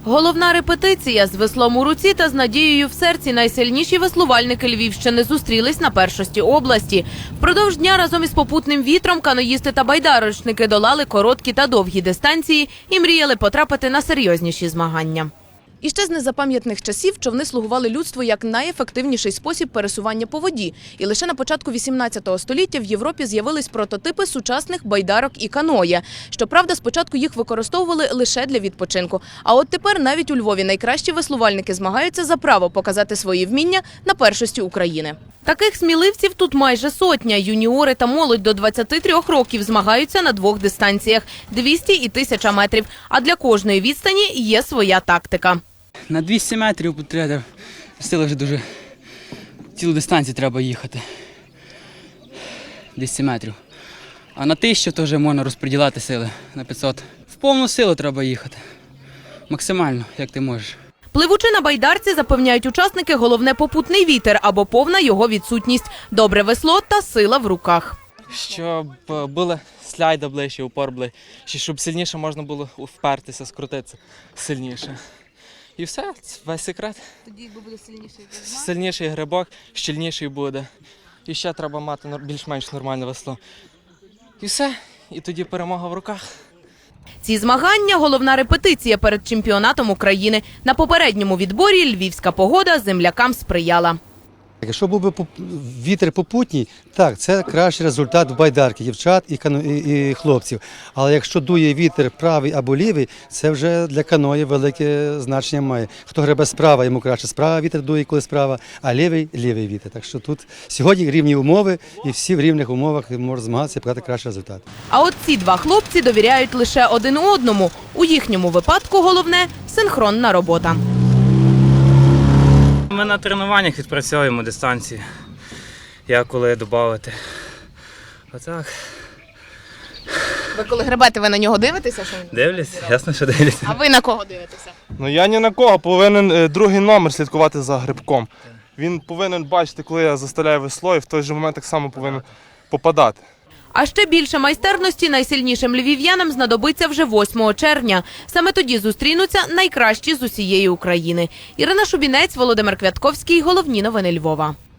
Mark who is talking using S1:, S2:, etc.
S1: Головна репетиція з веслом у руці та з надією в серці найсильніші веслувальники Львівщини зустрілись на першості області. Впродовж дня разом із попутним вітром каноїсти та байдарочники долали короткі та довгі дистанції і мріяли потрапити на серйозніші змагання. І ще з незапам'ятних часів човни слугували людству як найефективніший спосіб пересування по воді. І лише на початку 18 століття в Європі з'явились прототипи сучасних байдарок і каноє. Щоправда, спочатку їх використовували лише для відпочинку. А от тепер навіть у Львові найкращі веслувальники змагаються за право показати свої вміння на першості України. Таких сміливців тут майже сотня. Юніори та молодь до 23 років змагаються на двох дистанціях – 200 і 1000 метрів. А для кожної відстані є своя тактика.
S2: На 200 метрів треба сили вже дуже цілу дистанцію треба їхати. 200 метрів. А на 1000 то вже можна розподіляти сили на 500. В повну силу треба їхати. Максимально, як ти можеш.
S1: Пливучи на байдарці, запевняють учасники, головне попутний вітер або повна його відсутність, добре весло та сила в руках.
S3: Щоб були сляйда ближче, упор ближче, щоб сильніше можна було впертися, скрутитися сильніше. І все, це весь секрет.
S1: Тоді буде сильніший грибок?
S3: Сильніший грибок, щільніший буде. І ще треба мати більш-менш нормальне весло. І все, і тоді перемога в руках.
S1: Ці змагання – головна репетиція перед чемпіонатом України. На попередньому відборі львівська погода землякам сприяла.
S4: Якщо був би вітер попутній, так, це кращий результат в байдарки дівчат і хлопців. Але якщо дує вітер правий або лівий, це вже для каної велике значення має. Хто гребе справа, йому краще справа вітер дує, коли справа, а лівий – лівий вітер. Так що тут сьогодні рівні умови і всі в рівних умовах можуть змагатися і показати кращий результат.
S1: А от ці два хлопці довіряють лише один одному. У їхньому випадку головне – синхронна робота.
S5: Ми на тренуваннях відпрацьовуємо дистанції, як коли додати. Отак.
S1: Ви коли гребете, ви на нього дивитеся?
S5: Дивлюсь, ясно, що дивлюсь.
S1: А ви на кого дивитеся?
S6: Ну я ні на кого, повинен другий номер слідкувати за грибком. Він повинен бачити, коли я заставляю весло, і в той же момент так само повинен попадати.
S1: А ще більше майстерності найсильнішим львів'янам знадобиться вже 8 червня. Саме тоді зустрінуться найкращі з усієї України. Ірина Шубінець, Володимир Квятковський. Головні новини Львова.